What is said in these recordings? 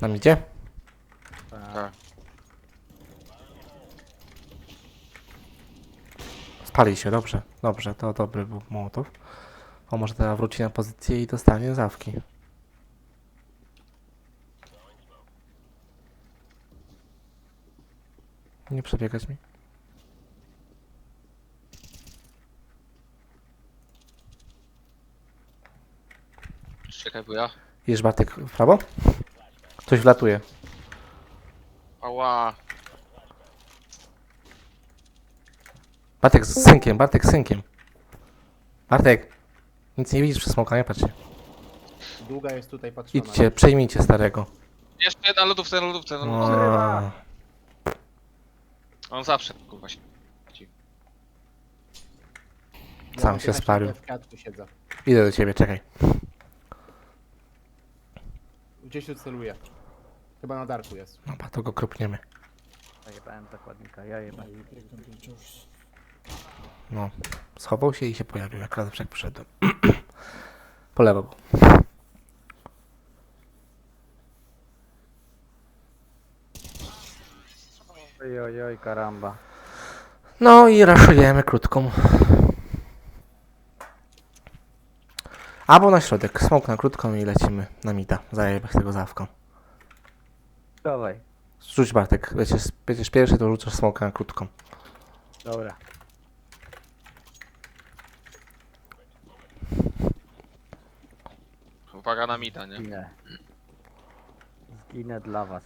Nam idzie? Tak. Spali się, dobrze. Dobrze, to dobry był Mołotow. O, może teraz wróci na pozycję i dostanie zawki. Nie przebiegać mi. Czekaj, bo ja... Idziesz Bartek w prawo? Coś wlatuje. Ała. Bartek z synkiem, Bartek z synkiem. Bartek! Nic nie widzisz przez smoka, nie patrzcie. Długa jest tutaj patrzona. Idźcie, przejmijcie starego. Jeszcze na lodówce, na lodówce, na lodówce. O, On zawsze, kurwa się. Ja sam mam się 15 spalił. W kwiatku siedzę. Idę do ciebie, czekaj. Gdzieś tu celuję. Chyba na darku jest. Dobra, to go kropniemy. Zajebałem zakładnika, ja jebałem. No, schował się i się pojawił, jak raz jak przyszedłem. Po lewo był. Oj, karamba. No i raszujemy krótką. Albo na środek, smok na krótką i lecimy na mida. Zajebać tego zawką. Dawaj. Rzuć Bartek, będziesz pierwszy, to rzucasz smoka na krótką. Dobra. Uwaga na mida, nie? Zginę. Zginę dla was.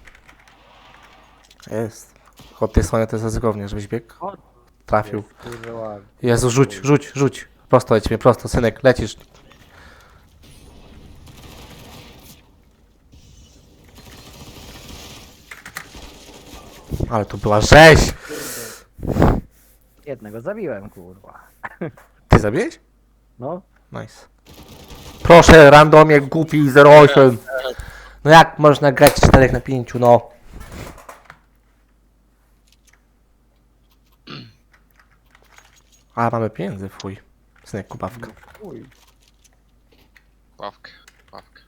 Jest. Od tej strony to jest ryzykownie, żebyś biegł. O, Trafił. jest, kurwa. Jezu, rzuć. Prosto lecimy, prosto, synek, lecisz. Ale tu była rzeź! Jednego zabiłem, kurwa. Ty zabiłeś? No. Nice. Proszę, randomie, głupi 08. No jak można grać 4 na 5, no? A, mamy pieniędzy, fuj. Synek, kubawka. Uj. Ławkę, ławkę.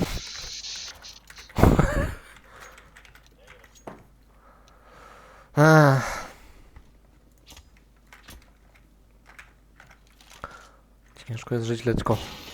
Ach. Ciężko jest żyć, leczko.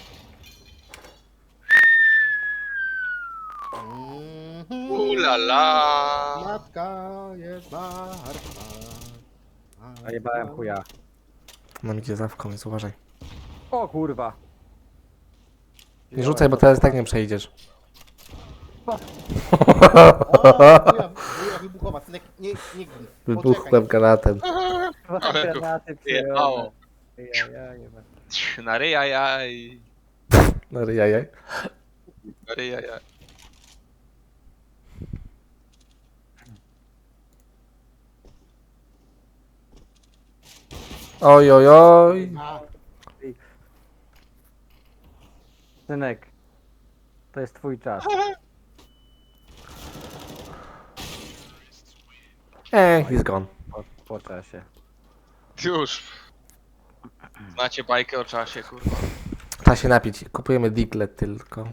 Ulala. Matka jest martwa. Zajebałem chuja. Nam idzie zawką, więc uważaj. O kurwa. Nie rzucaj, bo teraz tak nie przejdziesz. O, buja wybuchowa. Synek, nie gnij. Wybuchłem granatem. Dwa Ale granaty jebało. Ja jebałem. Na ryja jaj. No jajaj. Na ryja jaj. Oj, oj, oj. A, Synek. To jest twój czas. He's gone. Po czasie. Już. Znacie bajkę o czasie, kurwa. Trzeba się napić. Kupujemy digle tylko.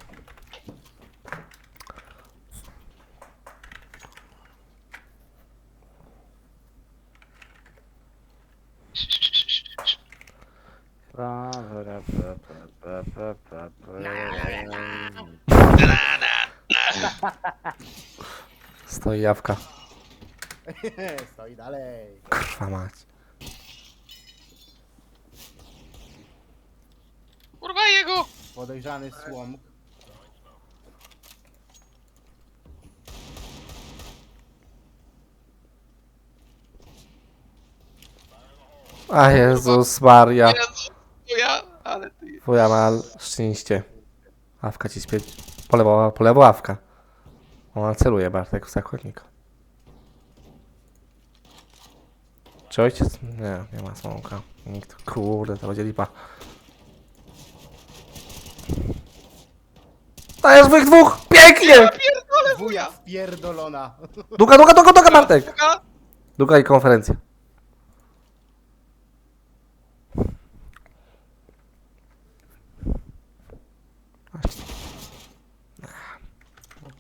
Stoi jawka. stoi dalej. Kurwa mać. Kurwa jego! Podejrzany słom. A Jezus Maria. Jezu, to ja, ale ty... Twoja ma szczęście. Awka ci spieć. Po lewo awka. Ona celuje Bartek w zakładnika. Czy ojciec? Nie ma smoka. Nikt. Kurde, to będzie lipa. Dajesz wych dwóch! Pięknie! Wuja spierdolona. Duga Bartek! Duga i konferencja.